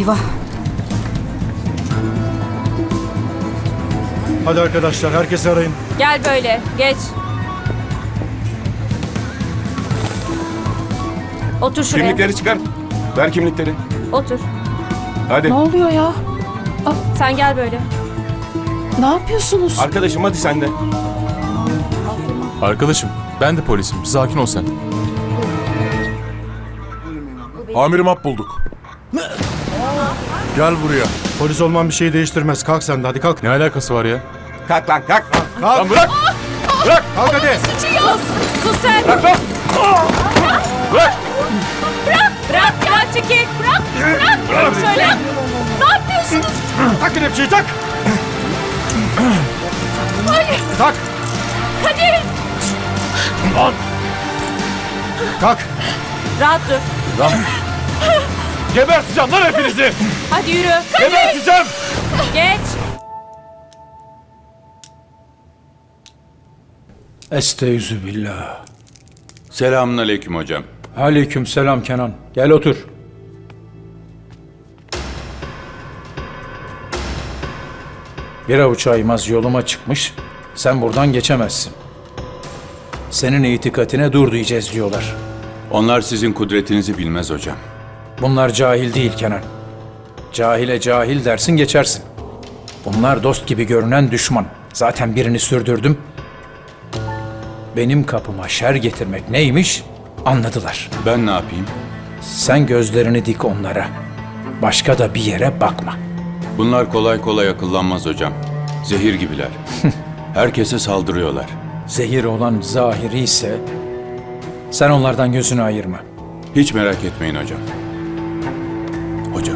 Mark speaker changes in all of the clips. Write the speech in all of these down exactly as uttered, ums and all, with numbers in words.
Speaker 1: Eyvah.
Speaker 2: Hadi arkadaşlar, herkesi arayın.
Speaker 3: Gel böyle, geç. Otur şuraya.
Speaker 4: Kimlikleri çıkar. Ver kimlikleri.
Speaker 3: Otur.
Speaker 4: Hadi.
Speaker 1: Ne oluyor ya?
Speaker 3: Sen gel böyle.
Speaker 1: Ne yapıyorsunuz?
Speaker 4: Arkadaşım hadi sen de.
Speaker 5: Arkadaşım, ben de polisim. Sakin ol sen.
Speaker 6: Amirim hap bulduk. Gel buraya.
Speaker 2: Polis olman bir şeyi değiştirmez. Kalk sen de, hadi kalk.
Speaker 5: Ne alakası var ya?
Speaker 4: Kalk lan kalk.
Speaker 2: Kalk.
Speaker 4: Lan bırak. Bırak.
Speaker 2: Kalk hadi.
Speaker 3: Sus, sus sen.
Speaker 4: Bırak lan. Bırak.
Speaker 3: Bırak ya, çekil. Bırak, bırak. Bırak şöyle. Ne yapıyorsunuz?
Speaker 2: Tak kelepçeyi, tak.
Speaker 3: Hayır,
Speaker 2: Tak.
Speaker 3: hadi.
Speaker 2: Kalk.
Speaker 3: Rahat dur.
Speaker 4: Geberteceğim lan hepinizi.
Speaker 3: Hadi yürü.
Speaker 4: Geberteceğim.
Speaker 3: Geç.
Speaker 7: Estaizu billah.
Speaker 8: Selamünaleyküm hocam.
Speaker 7: Aleyküm selam Kenan. Gel otur. Bir avuç aymaz yoluma çıkmış. Sen buradan geçemezsin. Senin itikatine dur diyeceğiz diyorlar.
Speaker 8: Onlar sizin kudretinizi bilmez hocam.
Speaker 7: Bunlar cahil değil Kenan. Cahile cahil dersin geçersin. Bunlar dost gibi görünen düşman. Zaten birini sürdürdüm. Benim kapıma şer getirmek neymiş anladılar.
Speaker 8: Ben ne yapayım?
Speaker 7: Sen gözlerini dik onlara. Başka da bir yere bakma.
Speaker 8: Bunlar kolay kolay akıllanmaz hocam. Zehir gibiler. Herkese saldırıyorlar.
Speaker 7: Zehir olan zahiri ise sen onlardan gözünü ayırma.
Speaker 8: Hiç merak etmeyin hocam. Hocam,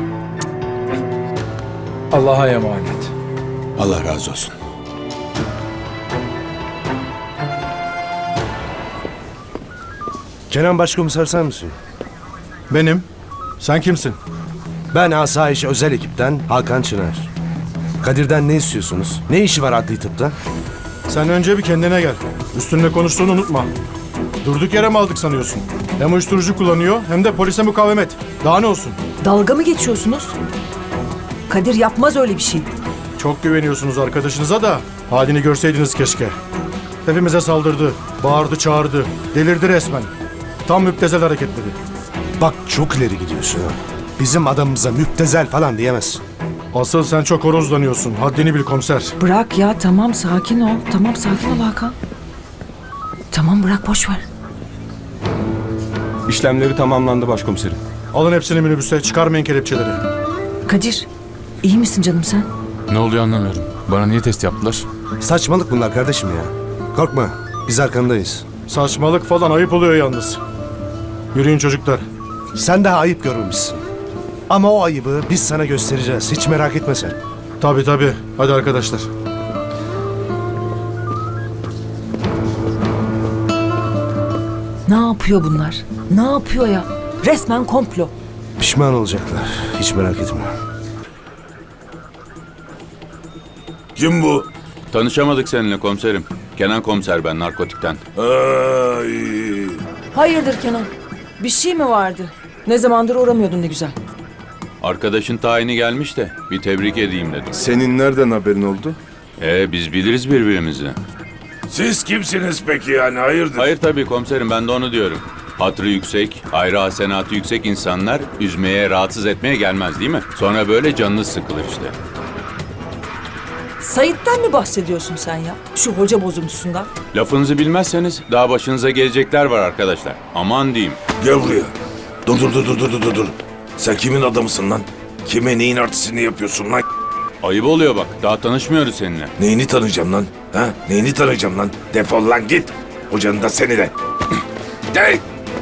Speaker 7: Allah'a emanet.
Speaker 8: Allah razı olsun.
Speaker 9: Kenan Başkomiser sen misin?
Speaker 2: Benim. Sen kimsin?
Speaker 9: Ben Asayiş Özel Ekipten Hakan Çınar. Kadir'den ne istiyorsunuz? Ne işi var adli tıpta?
Speaker 2: Sen önce bir kendine gel. Üstünle konuştuğunu unutma. Durduk yere mi aldık sanıyorsun? Hem uyuşturucu kullanıyor hem de polise mukavemet. Daha ne olsun?
Speaker 1: Dalga mı geçiyorsunuz? Kadir yapmaz öyle bir şey.
Speaker 2: Çok güveniyorsunuz arkadaşınıza da halini görseydiniz keşke. Hepimize saldırdı, bağırdı, çağırdı, delirdi resmen. Tam müptezel hareketleri.
Speaker 9: Bak çok ileri gidiyorsun ha. Bizim adamımıza müptezel falan diyemezsin.
Speaker 2: Asıl sen çok horozlanıyorsun. Haddini bil komiser.
Speaker 1: Bırak ya, tamam sakin ol. Tamam sakin ol Hakan. Tamam bırak, boş ver.
Speaker 4: İşlemleri tamamlandı başkomiserim.
Speaker 2: Alın hepsini minibüse, çıkarmayın kelepçeleri.
Speaker 1: Kadir, iyi misin canım sen?
Speaker 5: Ne oluyor anlamıyorum. Bana niye test yaptılar?
Speaker 9: Saçmalık bunlar kardeşim ya. Korkma, biz arkandayız.
Speaker 2: Saçmalık falan ayıp oluyor yalnız. Yürüyün çocuklar.
Speaker 9: Sen daha ayıp görmemişsin. Ama o ayıbı biz sana göstereceğiz. Hiç merak etme sen.
Speaker 2: Tabii tabii. Hadi arkadaşlar.
Speaker 1: Ne yapıyor bunlar? Ne yapıyor ya? Resmen komplo.
Speaker 9: Pişman olacaklar. Hiç merak etme.
Speaker 6: Kim bu?
Speaker 8: Tanışamadık seninle komiserim. Kenan komiser ben, narkotikten.
Speaker 6: Ay.
Speaker 1: Hayırdır Kenan? Bir şey mi vardı? Ne zamandır uğramıyordun ne güzel.
Speaker 8: Arkadaşın tayini gelmiş de bir tebrik edeyim dedim.
Speaker 6: Senin nereden haberin oldu?
Speaker 8: Ee biz biliriz birbirimizi.
Speaker 6: Siz kimsiniz peki yani hayırdır?
Speaker 8: Hayır tabii komiserim, ben de onu diyorum. Hatırı yüksek, ayrı hasenatı yüksek insanlar üzmeye, rahatsız etmeye gelmez değil mi? Sonra böyle canınız sıkılır işte.
Speaker 1: Sait'ten mi bahsediyorsun sen ya? Şu hoca bozuntusundan.
Speaker 8: Lafınızı bilmezseniz daha başınıza gelecekler var arkadaşlar. Aman diyeyim.
Speaker 6: Gel buraya. Dur dur dur dur dur dur dur. Sen kimin adamısın lan? Kime neyin artistini yapıyorsun lan?
Speaker 8: Ayıp oluyor bak, daha tanışmıyoruz seninle.
Speaker 6: Neyini tanıyacağım lan? Ha? Neyini tanıyacağım lan? Defol lan git. Hocanın da seni de. Gel.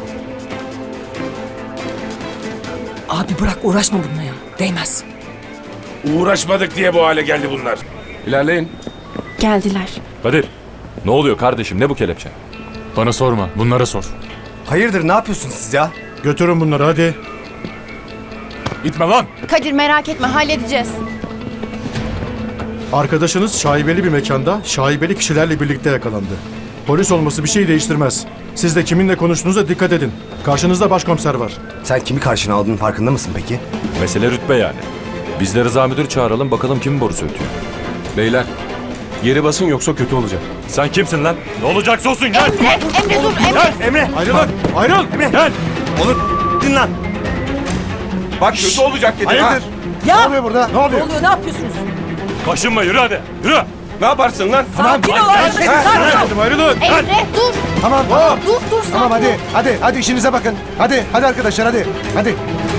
Speaker 1: Abi bırak, uğraşma bununla ya. Değmez.
Speaker 6: Uğraşmadık diye bu hale geldi bunlar.
Speaker 4: İlerleyin.
Speaker 3: Geldiler.
Speaker 10: Kadir, ne oluyor kardeşim? Ne bu kelepçe?
Speaker 5: Bana sorma, bunlara sor.
Speaker 9: Hayırdır ne yapıyorsunuz siz ya?
Speaker 2: Götürün bunları hadi.
Speaker 5: Gitme lan!
Speaker 3: Kadir merak etme, halledeceğiz.
Speaker 2: Arkadaşınız şaibeli bir mekanda şaibeli kişilerle birlikte yakalandı. Polis olması bir şey değiştirmez. Siz de kiminle konuştuğunuza dikkat edin. Karşınızda başkomiser var.
Speaker 9: Sen kimi karşına aldığının farkında mısın peki?
Speaker 10: Mesele rütbe yani. Biz de Rıza müdür çağıralım bakalım kimin borusu ötüyor.
Speaker 4: Beyler, geri basın yoksa kötü olacak.
Speaker 10: Sen kimsin lan? Ne olacaksa olsun gel.
Speaker 3: Emre, Emre dur, Emre.
Speaker 9: Emre!
Speaker 2: Ayrılın! Ayrıl!
Speaker 10: Gel.
Speaker 9: Olur! Din lan!
Speaker 4: Bak kötü olacak dedim.
Speaker 9: Hayırdır?
Speaker 1: Ya!
Speaker 9: Ne oluyor burada? Ne oluyor?
Speaker 1: Ne oluyor? Ne yapıyorsunuz?
Speaker 10: Kaşınma yürü hadi. Yürü.
Speaker 4: Ne yaparsın lan?
Speaker 1: Sakin ol arkadaşım. Sakin ol.
Speaker 2: Dedim ayrılın!
Speaker 3: Emre dur.
Speaker 9: Tamam tamam.
Speaker 3: Dur, dur sakin
Speaker 9: Tamam hadi
Speaker 3: ol.
Speaker 9: hadi hadi işinize bakın. Hadi hadi arkadaşlar hadi. Hadi.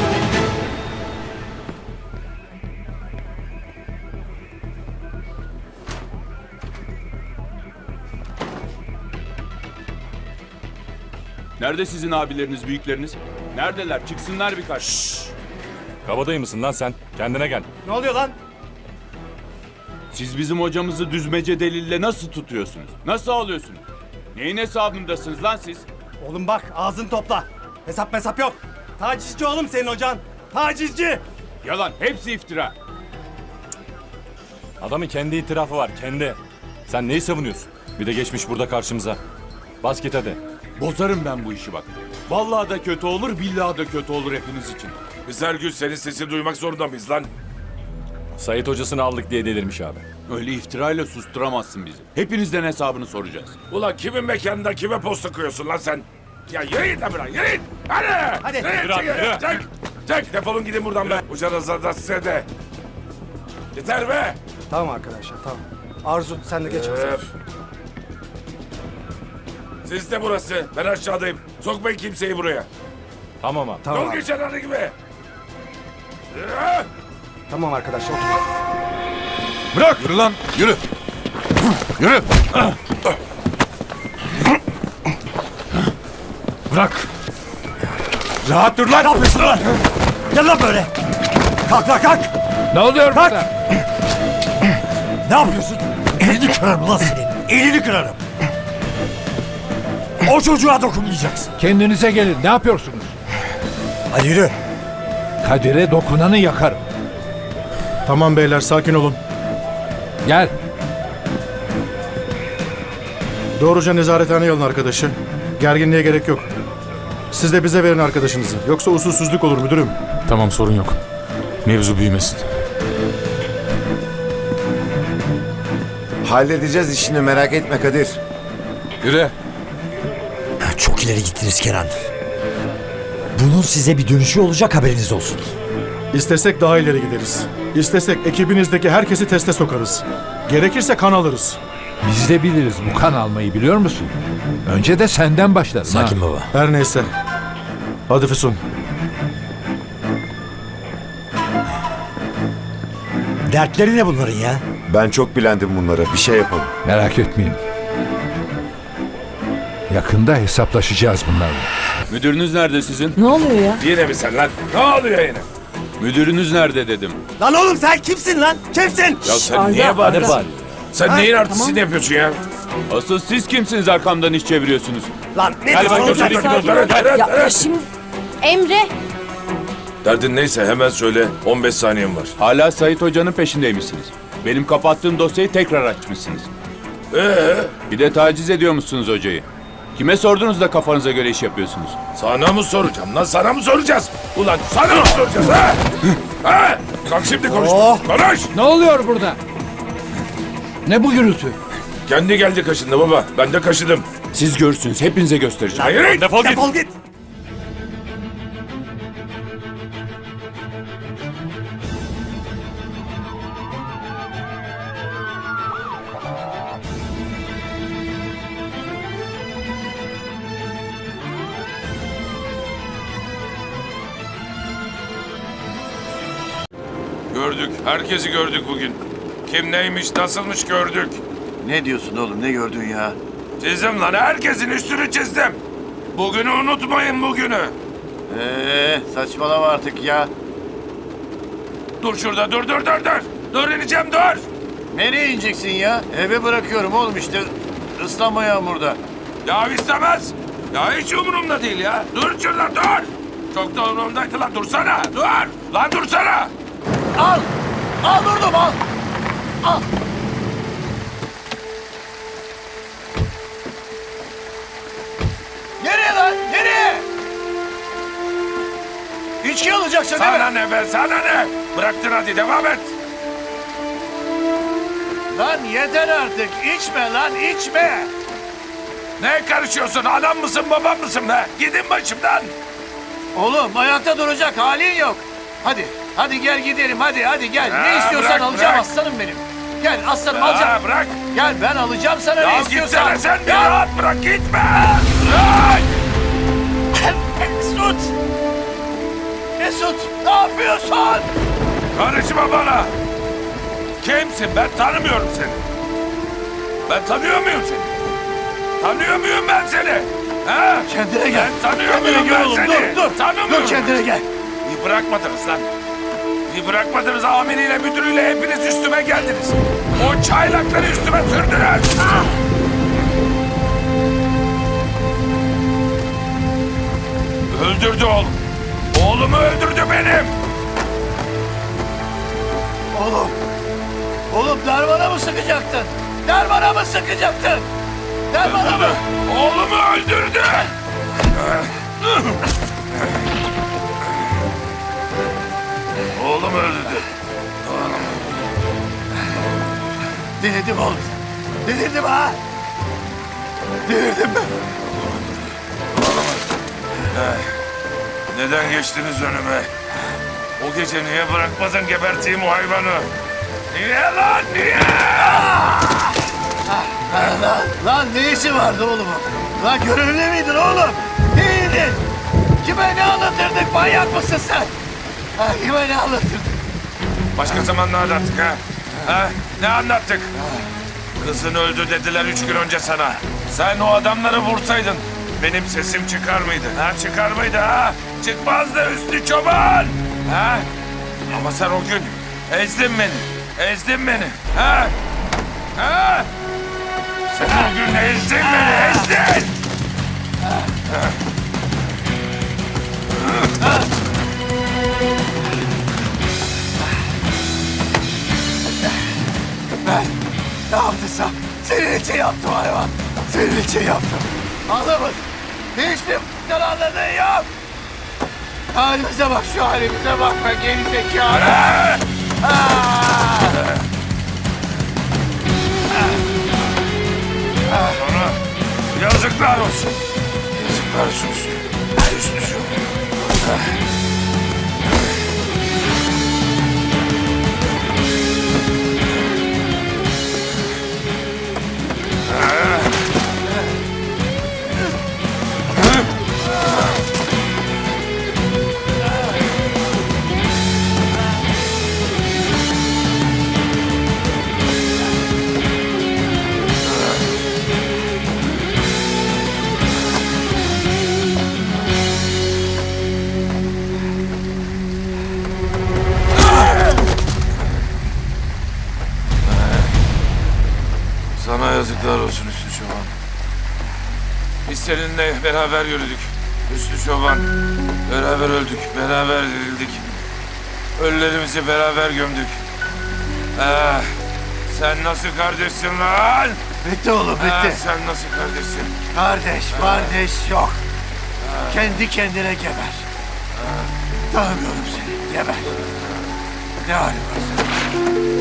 Speaker 8: Nerede sizin abileriniz, büyükleriniz? Neredeler? Çıksınlar birkaç.
Speaker 10: Kabadayı mısın lan sen? Kendine gel.
Speaker 9: Ne oluyor lan?
Speaker 8: Siz bizim hocamızı düzmece delille nasıl tutuyorsunuz? Nasıl alıyorsunuz? Neyin hesabındasınız lan siz?
Speaker 9: Oğlum bak ağzını topla. Hesap hesap yok. Tacizci oğlum senin hocan. Tacizci.
Speaker 8: Yalan, hepsi iftira.
Speaker 10: Adamın kendi itirafı var kendi. Sen neyi savunuyorsun? Bir de geçmiş burada karşımıza. Bas git hadi.
Speaker 8: Bozarım ben bu işi bak. Vallahi da kötü olur, billahi da kötü olur hepiniz için.
Speaker 6: Biz her gün senin sesini duymak zorunda mıyız lan?
Speaker 10: Sait hocasını aldık diye delirmiş abi.
Speaker 8: Öyle iftirayla susturamazsın bizi. Hepinizden hesabını soracağız.
Speaker 6: Ulan kimin mekanında kime posta koyuyorsun lan sen? Ya yürü git lan buradan yürü git. Hadi.
Speaker 9: Hadi.
Speaker 6: Yürü,
Speaker 10: Yürü abi,
Speaker 6: çek,
Speaker 10: yürü.
Speaker 6: çek, çek. Defolun gidin buradan be. Ucanızda da size de. Yeter be.
Speaker 9: Tamam arkadaşlar tamam. Arzu sen de geç.
Speaker 6: Öf. Siz de burası. Ben aşağıdayım. Sokmayın kimseyi buraya.
Speaker 10: Tamam abi.
Speaker 9: Tamam
Speaker 6: Yol
Speaker 9: abi.
Speaker 6: geçen hadi gibi. Yürü.
Speaker 9: Tamam arkadaşlar otur.
Speaker 5: Bırak. Yürü lan. Yürü. Yürü. Bırak.
Speaker 9: Rahat dur lan. Ne yapıyorsun lan? Gel lan böyle. Kalk lan kalk.
Speaker 5: Ne oluyor
Speaker 9: Kalk.
Speaker 5: burada?
Speaker 9: Ne yapıyorsun? Elini kırarım lan senin. Elini kırarım. O çocuğa dokunmayacaksın.
Speaker 5: Kendinize gelin. Ne yapıyorsunuz?
Speaker 9: Hadi yürü.
Speaker 5: Kadir'e dokunanı yakarım.
Speaker 2: Tamam beyler sakin olun.
Speaker 5: Gel.
Speaker 2: Doğruca nezarethaneye alın arkadaşı. Gerginliğe gerek yok. Siz de bize verin arkadaşınızı. Yoksa usulsüzlük olur müdürüm.
Speaker 5: Tamam sorun yok. Mevzu büyümesin.
Speaker 11: Halledeceğiz işini merak etme Kadir.
Speaker 5: Yürü.
Speaker 12: Çok ileri gittiniz Kenan. Bunun size bir dönüşü olacak haberiniz olsun.
Speaker 2: İstesek daha ileri gideriz. İstesek ekibinizdeki herkesi teste sokarız. Gerekirse kan alırız.
Speaker 5: Biz de biliriz bu kan almayı biliyor musun? Önce de senden başlarım.
Speaker 12: Sakin baba.
Speaker 2: Her neyse. Hadi Füsun.
Speaker 12: Dertleri ne bunların ya?
Speaker 11: Ben çok bilendim bunlara, bir şey yapalım.
Speaker 5: Merak etmeyin. Yakında hesaplaşacağız bunlarla.
Speaker 8: Müdürünüz nerede sizin?
Speaker 1: Ne oluyor ya?
Speaker 6: Yine mi sen lan? Ne oluyor yine?
Speaker 8: Müdürünüz nerede dedim.
Speaker 9: Lan oğlum sen kimsin lan? Kimsin?
Speaker 6: Ya sen
Speaker 1: Arda,
Speaker 6: niye bağırıyorsun?
Speaker 1: Arda.
Speaker 6: Sen
Speaker 9: Ha,
Speaker 6: neyin
Speaker 9: tamam.
Speaker 6: artistini yapıyorsun ya?
Speaker 8: Asıl siz kimsiniz arkamdan iş çeviriyorsunuz?
Speaker 9: Lan ne
Speaker 6: Gel
Speaker 9: diyorsun
Speaker 6: bak,
Speaker 9: oğlum sen?
Speaker 6: götür,
Speaker 1: Sakin ol.
Speaker 6: Evet, evet,
Speaker 1: Ya, ya
Speaker 6: evet.
Speaker 1: şimdi
Speaker 3: Emre.
Speaker 6: Derdin neyse hemen söyle. on beş saniyem var.
Speaker 8: Hala Sait Hoca'nın peşindeymişsiniz. Benim kapattığım dosyayı tekrar açmışsınız.
Speaker 6: Ee,
Speaker 8: Bir de taciz ediyormuşsunuz hocayı. Kime sordunuz da kafanıza göre iş yapıyorsunuz?
Speaker 6: sana mı soracağım lan? Sana mı soracağız? Ulan sana mı soracağız ha? Ha? Kalk şimdi konuş.
Speaker 9: Oh.
Speaker 6: Konuş.
Speaker 5: Ne oluyor burada? Ne bu gürültü?
Speaker 6: Kendi geldi kaşındı baba. Ben de kaşıdım.
Speaker 8: Siz görürsünüz, hepinize göstereceğim.
Speaker 6: Hayır.
Speaker 10: Defol git.
Speaker 9: Defol git.
Speaker 6: Gördük. Herkesi gördük bugün. Kim neymiş, nasılmış gördük.
Speaker 11: Ne diyorsun oğlum, ne gördün ya?
Speaker 6: Çizdim lan. Herkesin üstünü çizdim. Bugünü unutmayın bugünü.
Speaker 11: Eee saçmalama artık ya.
Speaker 6: Dur şurada. Dur dur dur dur. Dur ineceğim dur.
Speaker 11: Nereye ineceksin ya? Eve bırakıyorum oğlum işte. Islanma yağmurda.
Speaker 6: Ya istemez. Ya hiç umurumda değil ya. Dur şurada dur. Çok da umurumdaydı lan. Dursana. Dur. Lan dursana.
Speaker 11: Al! Al durdum al! Al! içki alacaksın değil mi?
Speaker 6: Sana ne be sana ne? Bıraktın hadi devam et.
Speaker 11: Lan yeter artık. İçme lan içme.
Speaker 6: Ne karışıyorsun? Adam mısın babam mısın be? Gidin başımdan.
Speaker 11: Oğlum ayakta duracak halin yok. Hadi. Hadi gel gidelim hadi hadi gel.
Speaker 6: Ha,
Speaker 11: ne istiyorsan
Speaker 6: bırak,
Speaker 11: alacağım
Speaker 6: bırak.
Speaker 11: aslanım benim. Gel aslanım
Speaker 6: Ha,
Speaker 11: alacağım.
Speaker 6: bırak.
Speaker 11: Gel ben alacağım sana
Speaker 6: Ya
Speaker 11: ne istiyorsan.
Speaker 6: gitsene sen bir
Speaker 11: Gel.
Speaker 6: rahat bırak gitme. Bırak.
Speaker 11: Mesut. Mesut ne yapıyorsun?
Speaker 6: Karışma bana. Kimsin? Ben tanımıyorum seni. Ben tanıyor muyum seni? Tanıyor muyum ben seni? Ha?
Speaker 11: Kendine gel.
Speaker 6: Ben tanıyor
Speaker 11: Kendine
Speaker 6: muyum
Speaker 11: gel
Speaker 6: ben
Speaker 11: oğlum,
Speaker 6: seni?
Speaker 11: dur, dur.
Speaker 6: Tanımıyorum.
Speaker 11: Dur kendine gel.
Speaker 6: Bir bırakmadınız lan. Bir bırakmadınız amiriyle müdürüyle hepiniz üstüme geldiniz. O çaylakları üstüme sürdünüz. Ah! Öldürdü oğlum. Oğlumu öldürdü benim.
Speaker 11: Oğlum. Oğlum darmana mı sıkacaktın? Darmana mı sıkacaktın? Darmana mı?
Speaker 6: Oğlumu öldürdü. Oğlumu öldürdü.
Speaker 11: Delirdim oğlum. Delirdim ha. Delirdim ben.
Speaker 6: Neden geçtiniz önüme? O gece niye bırakmadın geberteyim o hayvanı? Niye lan niye?
Speaker 11: Lan, lan ne işi vardı oğlum? Lan görevli miydin oğlum? Neydin? Kime ne anlatırdık? Manyak mısın sen? Ha, kime ne anlatırdık?
Speaker 6: Başka zaman ne anlattık ha? Ha? Ne anlattık? Kızın öldü dediler üç gün önce sana. Sen o adamları vursaydın benim sesim çıkar mıydı? Ha çıkar mıydı ha? Çıkmazdı Üstü Çoban. Ha? Ama sen o gün ezdin beni. Ezdin beni. Ha? Ha? Sen o gün ezdin beni. Ezdin.
Speaker 11: Ben ne yaptıysam senin için yaptım hayvan. Senin için yaptım. Anlamadın. Hiçbir f***dan anladığın yok. Halimize bak şu halimize bak be geri zekalı.
Speaker 6: Sonra yazıklar olsun. Yazıklar olsun Üstü. Üstü şu. Sana yazıklar olsun Üstü Çoban. Biz seninle beraber yürüdük. Üstü Çoban. Beraber öldük, beraber dirildik. Ölülerimizi beraber gömdük. Ah, sen nasıl kardeşsin lan?
Speaker 11: Bitti oğlum
Speaker 6: Ah,
Speaker 11: bitti.
Speaker 6: sen nasıl kardeşsin?
Speaker 11: Kardeş kardeş yok. Kendi kendine geber. Tanımıyorum seni. Geber. Ne halin var senin?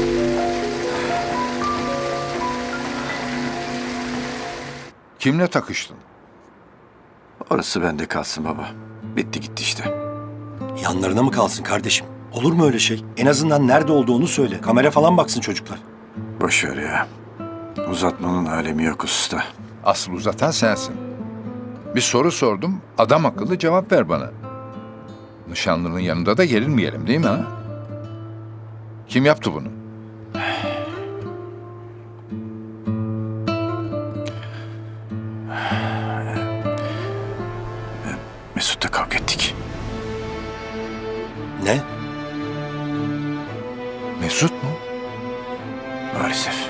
Speaker 5: Kimle takıştın?
Speaker 11: Orası bende kalsın baba. Bitti gitti işte.
Speaker 12: Yanlarına mı kalsın kardeşim? Olur mu öyle şey? En azından nerede olduğunu söyle. Kamera falan baksın çocuklar.
Speaker 11: Boş ver ya. Uzatmanın alemi yok usta.
Speaker 5: Asıl uzatan sensin. Bir soru sordum, adam akıllı cevap ver bana. Nişanlının yanında da gerilmeyelim değil mi ha? Kim yaptı bunu?
Speaker 11: Mesut'la kavga ettik.
Speaker 12: Ne?
Speaker 5: Mesut mu?
Speaker 11: Maalesef.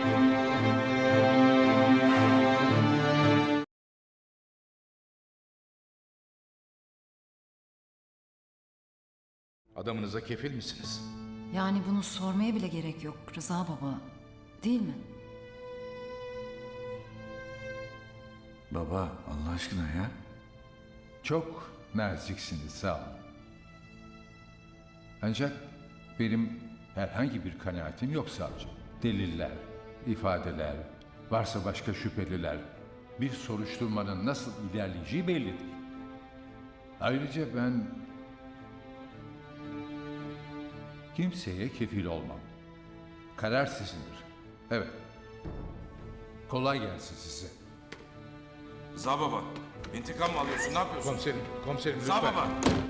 Speaker 5: Adamınıza kefil misiniz?
Speaker 1: Yani bunu sormaya bile gerek yok Rıza baba. Değil mi?
Speaker 11: Baba Allah aşkına ya.
Speaker 5: Çok naziksiniz sağ olun. Ancak benim herhangi bir kanaatim yok savcı. Deliller, ifadeler, varsa başka şüpheliler, bir soruşturmanın nasıl ilerleyeceği bellidir. Ayrıca ben kimseye kefil olmam. Karar sizindir. Evet. Kolay gelsin size.
Speaker 6: Rıza baba, intikam mı alıyorsun? Ne yapıyorsun?
Speaker 7: Komiserim, komiserim
Speaker 6: Rıza baba.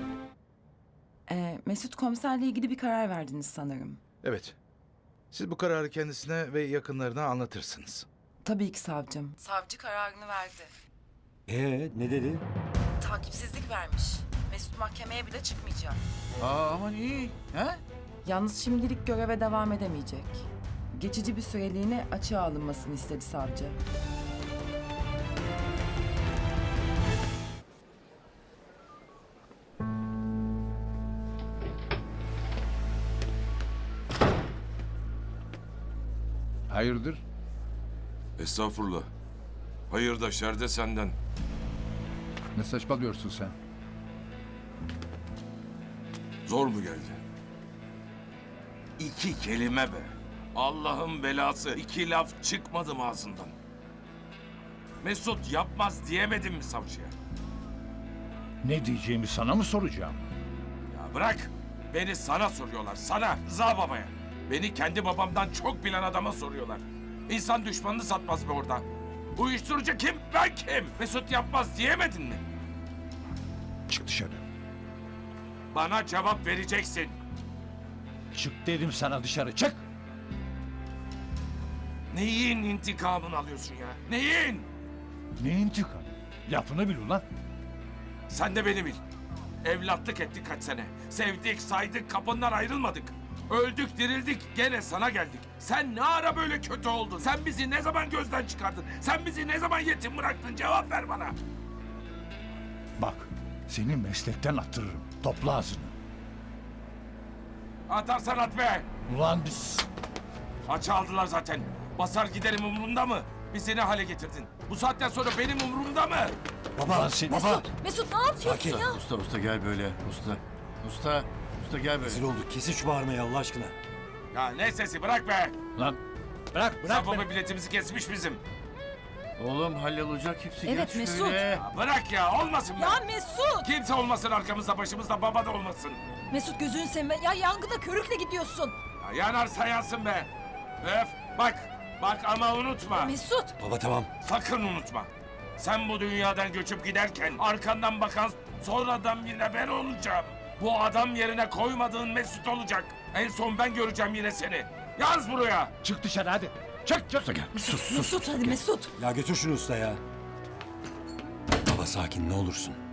Speaker 1: Ee, Mesut komiserle ilgili bir karar verdiniz sanırım.
Speaker 11: Evet. Siz bu kararı kendisine ve yakınlarına anlatırsınız.
Speaker 1: Tabii ki savcım. Savcı kararını verdi.
Speaker 12: Ee ne dedi?
Speaker 1: Takipsizlik vermiş. Mesut mahkemeye bile çıkmayacak.
Speaker 11: Aa aman iyi. He?
Speaker 1: Yalnız şimdilik göreve devam edemeyecek. Geçici bir süreliğine açığa alınmasını istedi savcı.
Speaker 5: Hayırdır?
Speaker 6: Estağfurullah. Hayır da şer de senden.
Speaker 5: Ne saçmalıyorsun sen?
Speaker 6: Zor mu geldi? İki kelime be. Allah'ın belası. İki laf çıkmadı mı ağzından? Mesut yapmaz diyemedim mi savcıya?
Speaker 5: Ne diyeceğimi sana mı soracağım?
Speaker 6: Ya bırak. Beni sana soruyorlar. Sana. Rıza babaya. Beni kendi babamdan çok bilen adama soruyorlar. İnsan düşmanını satmaz be orada. Uyuşturucu kim? Ben kim? Mesut yapmaz diyemedin mi?
Speaker 5: Çık dışarı.
Speaker 6: Bana cevap vereceksin.
Speaker 5: Çık dedim sana, dışarı çık.
Speaker 6: Neyin intikamını alıyorsun ya? Neyin?
Speaker 5: Ne intikam? Lafını bil ulan.
Speaker 6: Sen de beni bil. Evlatlık ettik kaç sene. Sevdik, saydık, kapından ayrılmadık. Öldük, dirildik, gene sana geldik. Sen ne ara böyle kötü oldun? Sen bizi ne zaman gözden çıkardın? Sen bizi ne zaman yetim bıraktın? Cevap ver bana.
Speaker 5: Bak, seni meslekten attırırım. Topla ağzını.
Speaker 6: Atarsan at be.
Speaker 5: Ulan biz...
Speaker 6: Açı aldılar zaten. Basar giderim umurumda mı? Bizi ne hale getirdin? Bu saatten sonra benim umurumda mı?
Speaker 5: Baba, seni... Baba!
Speaker 3: Mesut ne yapıyorsun
Speaker 12: Sakin.
Speaker 3: ya?
Speaker 11: Usta usta gel böyle. Usta. Usta. Usta gel böyle.
Speaker 12: Rezil olduk. Kesin şu bağırmayı Allah aşkına.
Speaker 6: Ya ne sesi bırak be.
Speaker 5: Lan! Bırak, bırak
Speaker 6: Sabah biletimizi kesmiş bizim.
Speaker 11: Oğlum hallolacak hepsi.
Speaker 3: Evet,
Speaker 11: Geç
Speaker 3: Mesut.
Speaker 11: şöyle.
Speaker 6: Ya bırak ya olmasın be.
Speaker 3: Ya Mesut!
Speaker 6: Kimse olmasın arkamızda başımızda baba da olmasın.
Speaker 3: Mesut gözünü sevme. Ya yangına körükle gidiyorsun.
Speaker 6: Ya yanarsa yansın be. Öf bak bak ama unutma.
Speaker 3: Mesut!
Speaker 12: Baba tamam.
Speaker 6: Sakın unutma. Sen bu dünyadan göçüp giderken arkandan bakan sonradan birine ben olacağım. Bu adam yerine koymadığın Mesut olacak. En son ben göreceğim yine seni. Yaz buraya.
Speaker 5: Çık dışarı hadi. Çık, çık. Gel.
Speaker 3: Mesut, Mesut hadi Mesut.
Speaker 12: Ya götür şunu usta ya. Baba sakin ne olursun.